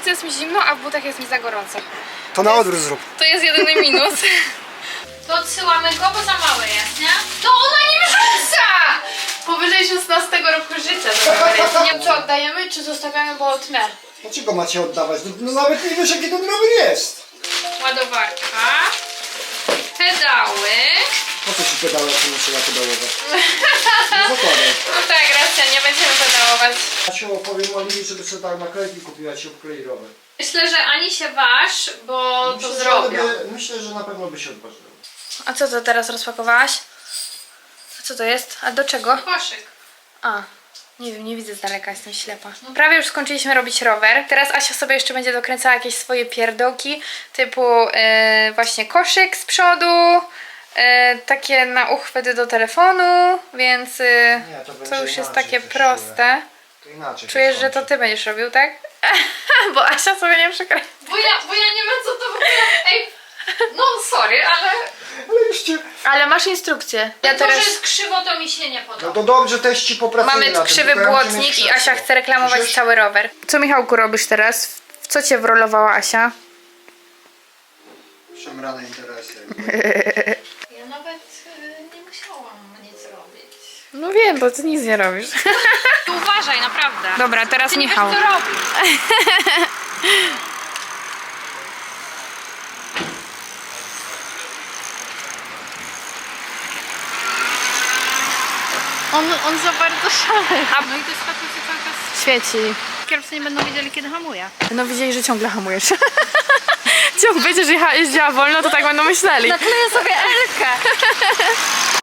pracy jest mi zimno, a w butach jest mi za gorąco. To na odwrót zrób. To jest jedyny minus. To odsyłamy go, bo za mały jest, nie? To ona nie wrzuca! Powyżej 16 roku życia. Nie wiem, czy oddajemy, czy zostawiamy, bo tnę. Dlaczego macie oddawać? No nawet nie wiesz, jaki ten rower jest. Ładowarka. Pedały. Po co ci pedały, jak nie trzeba pedałować? Nie zakładaj. No tak, racja, nie będziemy pedałować. Ja ci opowiem Oliwii, żeby sobie tak naklejki kupiła, ci obklei rower. Myślę, że ani się waż, bo to zrobią. Myślę, że na pewno by się odważyły. A co to teraz rozpakowałaś? A co to jest? A do czego? Koszyk. A, nie wiem, nie widzę z daleka, jestem ślepa. Prawie już skończyliśmy robić rower. Teraz Asia sobie jeszcze będzie dokręcała jakieś swoje pierdołki, typu właśnie koszyk z przodu, takie na uchwyty do telefonu, więc to już jest takie proste. To inaczej. Czujesz, że to ty będziesz robił, tak? Bo Asia sobie nie przekręca. Bo ja nie wiem, co to w ogóle... Ej, no sorry, ale... Ale już cię... Ale masz instrukcję. Ja To, teraz... że jest krzywo, to mi się nie podoba. No to dobrze, też ci popracuję. Mamy na tym, krzywy tylko ja muszę mieć błotnik i krzesło. Asia chce reklamować Słyszysz? cały rower. Co Michałku robisz teraz? W co cię wrolowała Asia? Szemrane interesy. Ja nawet nie musiałam nic robić. No wiem, bo ty nic nie robisz. Uważaj, naprawdę. Dobra, teraz Ty nie Michał. wiesz, co robisz. On za bardzo szaleje. No i to światło się cały czas... Świeci. Kierowcy nie będą wiedzieli, kiedy hamuje. No widzieli, że ciągle hamujesz. Ciągle będziesz jeździła wolno, to tak będą myśleli. Nakleję sobie Elkę.